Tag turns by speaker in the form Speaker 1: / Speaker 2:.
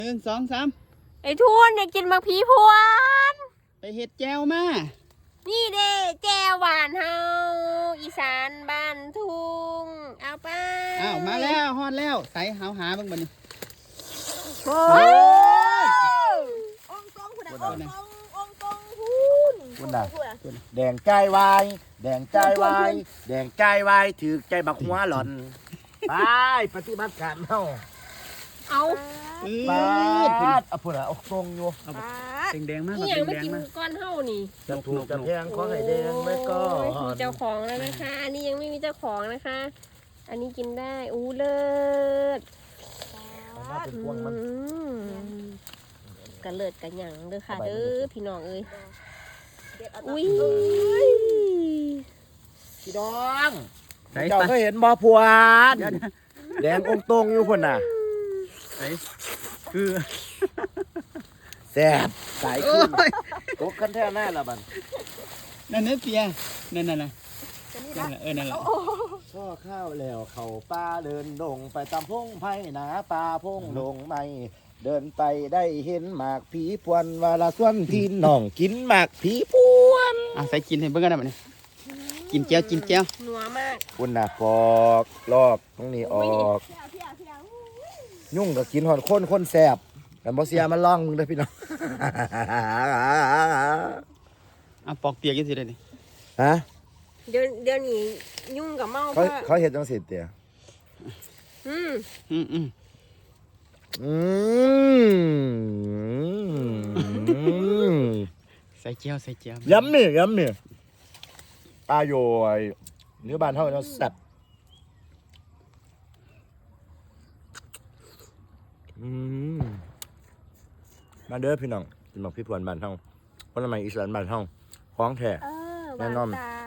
Speaker 1: 1 2 3
Speaker 2: ไอ้ทุนอยากกินมักผีพวน
Speaker 1: ไปเห็ดแจวมา
Speaker 2: นี่เด้แจวหวานเฮาอีสานบ้านทุ่งเอาไป
Speaker 1: อ้าวมาแล้วฮอดแล้วใส่หาเบิ่งบัดนี้
Speaker 2: โอ้ย
Speaker 3: องตรงคุณนะองตรงคุณ
Speaker 4: น่ะแดงใจวายแดงใจวายแดงใจวายถือใจบักหัวหล่อนไปปฏิบัติการเฮา
Speaker 2: เอา
Speaker 4: ปาดเอาพุ่นน่ะเอาตรงอยู่
Speaker 1: แดงๆมาก
Speaker 2: นี่ยังไม่กินก้อนเฮานี่
Speaker 4: จะถูกจะแพงขอให้แดงไว้ก่อ
Speaker 2: มี
Speaker 4: น
Speaker 2: เจ้าของแล้วนะคะ อันนี้ยังไม่มีเจ้าของนะคะ อันนี้กินได้อู้เลิศ
Speaker 4: มาเป็นพวงมัน
Speaker 2: กระเลิดกระหยังเด้อค่ะเด้อพี่น้องเอ้ยอุ้ย
Speaker 4: พี่น้อง
Speaker 1: ใส่
Speaker 4: เจ้า
Speaker 1: ไป
Speaker 4: เคยเห็นบ่พวนแดงองตรงอยู่พุ่นน่ะ
Speaker 1: ใส่คือ
Speaker 4: แซ่บสายขึ้น
Speaker 1: โอ้ย
Speaker 4: ตกกันแท้แน่ละบัด
Speaker 1: นั่นเนื้อเปียนั่นน่ะนั่นแหละนั่นแหละ
Speaker 4: ช่อข้าวแล้วเข้าป่าเดินดงไปตามพงไผ่หนาป่าพงดงไม่เดินไปได้เห็นหมากผีพวนวาละส่วนพี่น้องกินหมากผีพวน
Speaker 1: ใส่กินให้เบิ่งกันได้บัดนี้กินแจว
Speaker 2: นัวมาก
Speaker 4: คุณน่ะปอกลอกตรงนี้ออกยุ่งกับกินหอดคนแสบกันบ่เสียมันล่องมึงเด้อพี่น้อง
Speaker 1: ปอกเปียกจังซี่ได้นี่
Speaker 4: ฮะ
Speaker 2: เดี๋ยวนี้ยุ่งกับเมา
Speaker 4: เขาเฮ็ดจังซี่เตี้ย
Speaker 2: อืม
Speaker 1: อืม
Speaker 4: อืม
Speaker 1: ใส่แจว
Speaker 4: ย้ำนี่อาโยยเนื้อบานเท่านั้นแซ่บมาเด้อพี่น้องกินหมกพี่พวนบ้านเฮาคนละไมอีสานบ้านเฮาของแท้
Speaker 2: ห
Speaker 4: แน่
Speaker 2: วาน
Speaker 4: นอน
Speaker 2: ตา